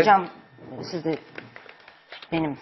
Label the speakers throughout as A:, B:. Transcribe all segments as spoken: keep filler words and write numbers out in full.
A: Hocam siz de benim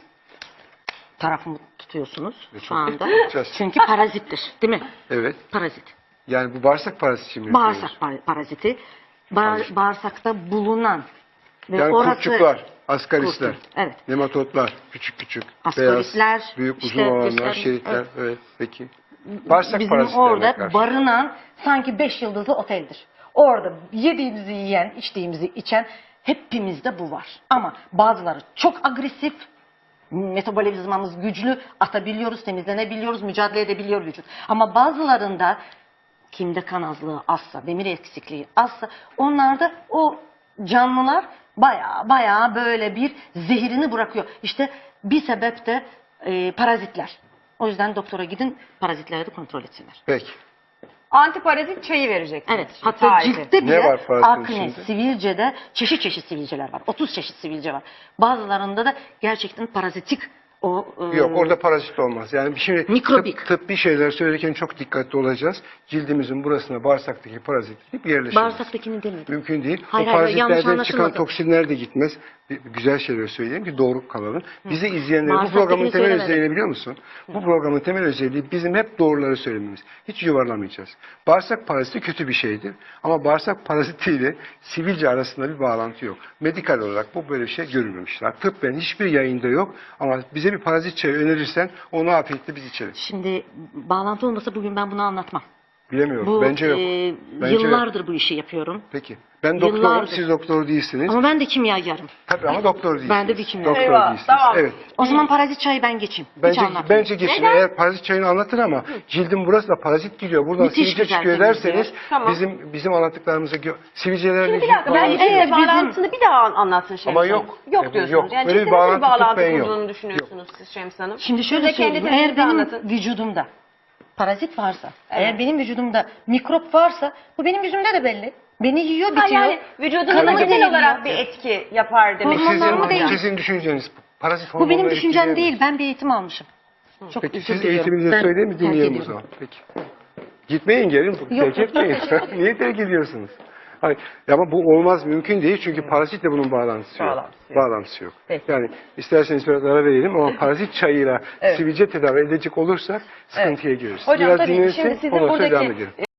A: tarafımı tutuyorsunuz şu anda. Çünkü parazittir, değil mi?
B: Evet.
A: Parazit.
B: Yani bu bağırsak paraziti mi?
A: Bağırsak paraziti. Ba bağırsakta bulunan ve
B: yani
A: orası...
B: kurtçuklar, askaristler,
A: Kurtçuk, evet.
B: nematotlar, küçük küçük,
A: Askaristler,
B: beyaz, büyük uzun
A: işte,
B: olanlar,
A: işte,
B: şeritler. Evet. evet, peki.
A: Bağırsak bizim orada karşı. barınan sanki beş yıldızlı oteldir. Orada yediğimizi yiyen, içtiğimizi içen hepimizde bu var. Ama bazıları çok agresif, metabolizmamız güçlü, atabiliyoruz, temizlenebiliyoruz, mücadele edebiliyor vücut. Ama bazılarında kimde kan azlığı azsa, demir eksikliği azsa, onlarda o canlılar baya baya böyle bir zehirini bırakıyor. İşte bir sebep de e, parazitler. O yüzden doktora gidin, parazitleri de kontrol etsinler.
B: Peki.
C: Antiparazit çayı vereceksiniz.
A: Evet. Hatta
C: Tarifi.
A: ciltte bile
B: Ne var parazitin
A: akne,
B: içinde?
A: sivilcede çeşit çeşit sivilceler var. otuz çeşit sivilce var. Bazılarında da gerçekten parazitik o... E,
B: Yok, orada parazit olmaz. Yani şimdi
A: mikrobik.
B: tıp, tıbbi şeyler söylerken çok dikkatli olacağız. Cildimizin burasına bağırsaktaki parazit hep yerleşir.
A: Bağırsaktakini demedim.
B: Mümkün değil.
A: Hayır,
B: o
A: hayır, yanlış
B: parazitlerden çıkan
A: anlaşılmadı.
B: toksinler de gitmez. Bir, bir güzel şeyler söyleyeyim ki doğru kalalım. Bizi izleyenler bu
A: Bağırsaktakini
B: programın temel
A: söylemedim.
B: özelliğini biliyor musun? Bu programın temel özelliği bizim hep doğruları söylememiz. Hiç yuvarlamayacağız. Bağırsak paraziti kötü bir şeydir. Ama bağırsak parazitiyle sivilce arasında bir bağlantı yok. Medikal olarak bu böyle bir şey görülmemişler. Tıbben hiçbir yayında yok. Ama bize bir parazit çayı önerirsen onu afiyetle biz içeriz.
A: Şimdi bağlantı olmasa bugün ben bunu anlatmam.
B: Bilemiyorum.
A: Bu,
B: Bence yok.
A: E,
B: Bence
A: yıllardır
B: yok.
A: bu işi yapıyorum.
B: Peki. Ben doktorum,
A: Yıllardır.
B: siz doktor değilsiniz.
A: Ama ben de kimyagerim.
B: Tabii ama doktor değilsiniz.
A: Ben de bir kimya.
B: Doktor
C: Eyvah,
B: değilsiniz.
C: tamam.
B: Evet.
A: O zaman parazit çayı ben geçeyim.
B: Bence,
A: Hiç anlatmayayım.
B: bence geçin.
C: Neden?
B: Eğer parazit çayını anlatır ama cildin burası da parazit gidiyor. Buradan
A: Müthiş
B: sivilce
A: güzel
B: çıkıyor
A: temizliyor.
B: derseniz
C: Tamam.
B: bizim bizim anlattıklarımıza gö- sivilcelerle
C: Şimdi bir
B: ilgili
C: dakika ben
B: bağlantı
C: eğer
B: yok.
C: bağlantısını bir daha anlatsın Şems
B: Ama
C: Hanım.
B: yok.
C: Yok
B: Evet,
C: diyorsunuz.
B: yok.
C: Yani
B: Böyle bir
C: ciddi nasıl bir
B: bağlantı
C: bağlantı
B: tıbben yok.
C: kurduğunu düşünüyorsunuz siz Şems Hanım?
A: Şimdi şöyle
C: Siz de kendi
A: söyleyeyim. Eğer
C: tezinizi
A: benim
C: anlatın.
A: vücudumda parazit varsa,
C: Evet.
A: eğer benim vücudumda mikrop varsa bu benim yüzümde de belli. Beni yiyor,
C: Ha,
A: bitiyor.
C: yani vücudunuza
A: Kanımı
C: genel
A: değiliyor.
C: olarak bir etki yapar demek
A: Hormonlarımı
C: istiyorum
A: değil.
C: hocam.
B: Sizin düşünceniz parazit
A: Bu benim
B: hormonları
A: düşüncem
B: etkileyemez.
A: değil. Ben bir eğitim almışım. Çok
B: Peki
A: özür
B: siz
A: diliyorum.
B: eğitiminizi
A: Ben
B: söyleyin mi
A: terk
B: dinleyelim o
A: ediyorum.
B: zaman. Peki. Gitmeyin gelin.
A: Yok,
B: Terk etmeyin. Niye terk ediyorsunuz? Hayır. Ama bu olmaz, mümkün değil çünkü parazitle bunun bağlantısı yok.
C: Bağlantısı yok.
B: Bağlantısı yok.
C: Peki.
B: Yani isterseniz biraz ara verelim ama parazit çayıyla
C: Evet.
B: sivilce tedavi edecek olursak sıkıntıya gireriz.
C: Hocam
B: biraz
C: tabii
B: dinlensin,
C: şimdi sizin
B: ondan sonra
C: buradaki
B: devam edelim.